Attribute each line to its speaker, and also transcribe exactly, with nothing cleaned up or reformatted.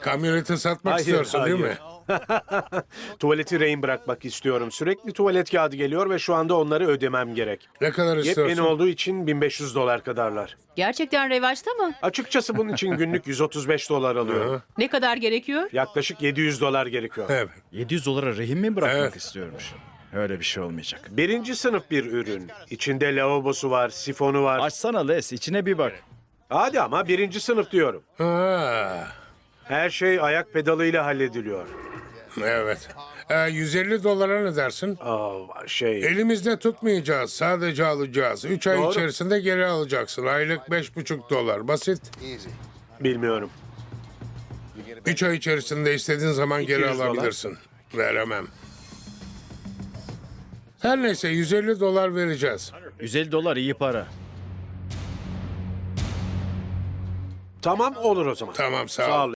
Speaker 1: Kamyoneti satmak
Speaker 2: Hayır,
Speaker 1: istiyorsun değil mi?
Speaker 2: hayır. Tuvaleti rehin bırakmak istiyorum. Sürekli tuvalet kağıdı geliyor ve şu anda onları ödemem gerek.
Speaker 1: Ne kadar
Speaker 2: Yepyeni
Speaker 1: istiyorsun?
Speaker 2: olduğu için bin beş yüz dolar kadarlar.
Speaker 3: Gerçekten revaçta mı?
Speaker 2: Açıkçası bunun için günlük yüz otuz beş dolar alıyorum.
Speaker 3: Ne kadar gerekiyor?
Speaker 2: Yaklaşık yedi yüz dolar gerekiyor.
Speaker 1: Evet.
Speaker 4: yedi yüz dolara rehin mi bırakmak
Speaker 1: Evet.
Speaker 4: istiyormuş? Öyle bir şey olmayacak.
Speaker 2: Birinci sınıf bir ürün. İçinde lavabosu var, sifonu var.
Speaker 4: Açsana Les, içine bir bak.
Speaker 2: Hadi ama birinci sınıf diyorum.
Speaker 1: Ha,
Speaker 2: Her şey ayak pedalıyla hallediliyor.
Speaker 1: evet. Ee, yüz elli dolara ne dersin?
Speaker 2: Aa, şey...
Speaker 1: Elimizde tutmayacağız. Sadece alacağız. Üç ay
Speaker 2: Doğru.
Speaker 1: içerisinde geri alacaksın. Aylık beş buçuk dolar. Basit.
Speaker 2: Bilmiyorum.
Speaker 1: Üç ay içerisinde istediğin zaman geri
Speaker 2: iki yüz dolar.
Speaker 1: alabilirsin. Veremem. Her neyse yüz elli dolar vereceğiz.
Speaker 4: yüz elli dolar iyi para.
Speaker 2: Tamam olur o zaman.
Speaker 1: Tamam sağ ol.
Speaker 2: Sağ ol.